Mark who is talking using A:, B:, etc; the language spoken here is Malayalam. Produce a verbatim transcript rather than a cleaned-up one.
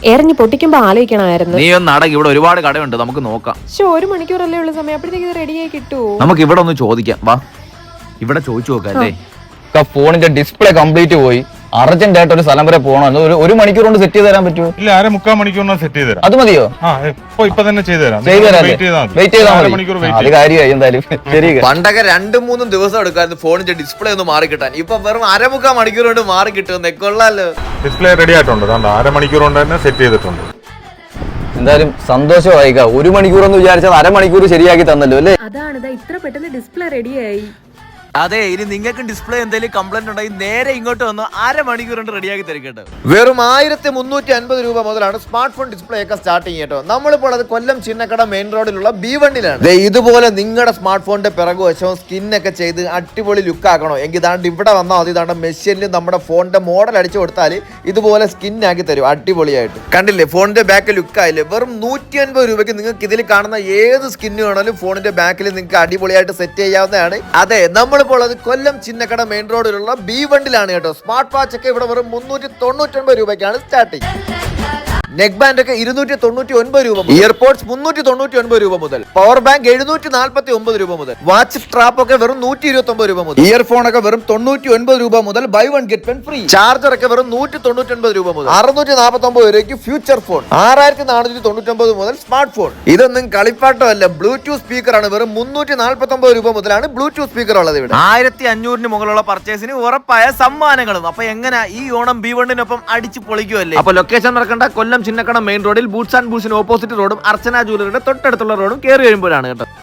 A: എറിഞ്ഞ് പൊട്ടിക്കുമ്പോ ആലോചിക്കണമായിരുന്നു.
B: നീ ഒന്ന് അടങ്ങി, ഇവിടെ ഒരുപാട് കടയുണ്ട്, നമുക്ക് നോക്കാം.
A: പക്ഷെ ഒരു മണിക്കൂറല്ലേ ഉള്ള സമയം, അപ്പോഴത്തേക്ക് ഇത് റെഡിയായി കിട്ടുമോ?
B: നമുക്ക് ഇവിടെ ഒന്ന് ചോദിക്കാം, വാ ഇവിടെ ചോദിച്ചു നോക്കാം അല്ലേ.
C: ഫോണിന്റെ ഡിസ്പ്ലേ കംപ്ലീറ്റ് പോയി, അർജന്റ് ആയിട്ട് ഒരു സ്ഥലം വരെ പോകണം. ഒരു ഒരു മണിക്കൂർ കൊണ്ട് സെറ്റ് ചെയ്ത് തരാൻ പറ്റുമോ?
D: ഇല്ല, അര മുക്കാൽ മണിക്കൂറിന് സെറ്റ് ചെയ്ത് തരാം.
C: അത് മതിയോ?
D: ആ ഇപ്പൊ ഇപ്പൊ തന്നെ ചെയ്തു തരാം.
C: ചെയ്തു തരാം. വെയിറ്റ് ചെയ്താൽ മതി.
D: മണിക്കൂർ
C: അത് കാര്യമായി എന്തായാലും. ശരി.
B: പണ്ടൊക്കെ രണ്ടും മൂന്നും ദിവസം എടുക്കായിരുന്നു ഫോണിന്റെ ഡിസ്പ്ലേ ഒന്ന് മാറി കിട്ടാൻ. ഇപ്പൊ വെറും അരമുക്കാൽ മണിക്കൂർ കൊണ്ട് മാറി കിട്ടുന്നേ, കൊള്ളാലോ.
D: ഡിസ്പ്ലേ റെഡി ആയിട്ടുണ്ട്, അര മണിക്കൂർ കൊണ്ട് തന്നെ സെറ്റ് ചെയ്തിട്ടുണ്ട്.
C: എന്തായാലും സന്തോഷമായി. ഒരു മണിക്കൂർ എന്ന് വിചാരിച്ചാൽ അരമണിക്കൂർ ശരിയാക്കി തന്നല്ലോ അല്ലേ?
A: അതാണ് ഇത്ര പെട്ടെന്ന് ഡിസ്പ്ലേ റെഡിയായി.
B: അതെ, ഇനി നിങ്ങൾക്ക് ഡിസ്പ്ലേ എന്തെങ്കിലും കംപ്ലൈന്റ് ഉണ്ടെങ്കിൽ നേരെ ഇങ്ങോട്ട് വന്ന് അരമണിക്കൂർ കൊണ്ട് റെഡിയാക്കി തരും കേട്ടോ. വെറും ആയിരത്തി മുന്നൂറ്റി അൻപത് രൂപ മുതലാണ് സ്മാർട്ട് ഫോൺ ഡിസ്പ്ലേ ഒക്കെ സ്റ്റാർട്ടിങ് കേട്ടോ. നമ്മളിപ്പോൾ അത് കൊല്ലം ചിന്നക്കട മെയിൻ റോഡിലുള്ള ബി വണ്ണിലാണ്. ഇതുപോലെ നിങ്ങളുടെ സ്മാർട്ട് ഫോണിന്റെ പിറകു വശവും സ്കിന്നൊക്കെ ചെയ്ത് അടിപൊളി ലുക്ക് ആക്കണോ എങ്കിൽ ഇതാണ്ട് ഇവിടെ വന്നാൽ മതി. ഇതാണ്ട് മെഷീനിൽ നമ്മുടെ ഫോണിന്റെ മോഡൽ അടിച്ചു കൊടുത്താൽ ഇതുപോലെ സ്കിന്നാക്കി തരും അടിപൊളിയായിട്ട്. കണ്ടില്ലേ ഫോണിന്റെ ബാക്ക് ലുക്ക് ആയില്ലേ? വെറും നൂറ്റി അൻപത് രൂപയ്ക്ക് നിങ്ങൾക്ക് ഇതിൽ കാണുന്ന ഏത് സ്കിന്ന് വേണമെങ്കിലും ഫോണിന്റെ ബാക്കിൽ നിങ്ങൾക്ക് അടിപൊളിയായിട്ട് സെറ്റ് ചെയ്യാവുന്നതാണ്. അതെ, നമ്മൾ ഇപ്പോൾ അത് കൊല്ലം ചിന്നക്കട മെയിൻ റോഡിലുള്ള ബി വണ്ടിലാണ് കേട്ടോ. സ്മാർട്ട് വാച്ച് ഒക്കെ ഇവിടെ വെറും മുന്നൂറ്റി തൊണ്ണൂറ്റി ഒൻപത് രൂപയ്ക്കാണ് സ്റ്റാർട്ടിങ്. നെക്ക് ബാൻഡ് ഒക്കെ ഇരുന്നൂറ്റി തൊണ്ണൂറ്റി ഒൻപത് രൂപ, ഇയർപോഡ്സ് മുന്നൂറ്റി തൊണ്ണൂറ്റി ഒൻപത് രൂപ മുതൽ, പവർ ബാങ്ക് എഴുന്നൂറ്റി നാൽപ്പത്തി ഒമ്പത് രൂപ മുതൽ, വാച്ച് സ്ട്രാപ്പ് ഒക്കെ വെറും നൂറ്റി ഇരുപത്തി ഒമ്പത് രൂപ മുതൽ, ഇയർഫോൺ ഒക്കെ വെറും തൊണ്ണൂറ്റി ഒൻപത് രൂപ മുതൽ buy one get one free, charger ഒക്കെ വെറും നൂറ്റി തൊണ്ണൂറ്റി ഒൻപത് രൂപ മുതൽ, അറുന്നൂറ്റി നാൽപ്പത്തി ഒമ്പത് രൂപയ്ക്ക് ഫ്യൂച്ചർ ഫോൺ, ആറായിരത്തി നാനൂറ്റി തൊണ്ണൂറ്റി ഒമ്പത് മുതൽ സ്മാർട്ട് ഫോൺ. ഇതൊന്നും കളിപ്പാട്ടമല്ല, ബ്ലൂടൂത്ത് സ്പീക്കർ ആണ്. വെറും മുന്നൂറ്റി നാൽപ്പത്തി ഒമ്പത് രൂപ മുതലാണ് ബ്ലൂടൂത്ത് സ്പീക്കർ ഉള്ളത് ഇവിടെ. ആയിരത്തി അഞ്ഞൂറിന് മുകളിലുള്ള പർച്ചേസിന് ഉറപ്പായ സമ്മാനങ്ങളും. അപ്പൊ എങ്ങനെ ഈ ഓണം ബി വണ്ണിനൊപ്പം അടിച്ചു പൊളിക്കുമല്ലേ? അപ്പൊ ലൊക്കേഷൻ മറക്കണ്ട, കൊല്ലം ചിന്നക്കട മെയിൻ റോഡിൽ ബൂട്ട്സ് ആൻഡ് ബൂട്ട്സിന് ഓപ്പോസിറ്റ് റോഡും അർച്ചന ജ്വല്ലറിയുടെ തൊട്ടടുത്തുള്ള റോഡും കയറി വരുമ്പോഴാണ് കേട്ടോ.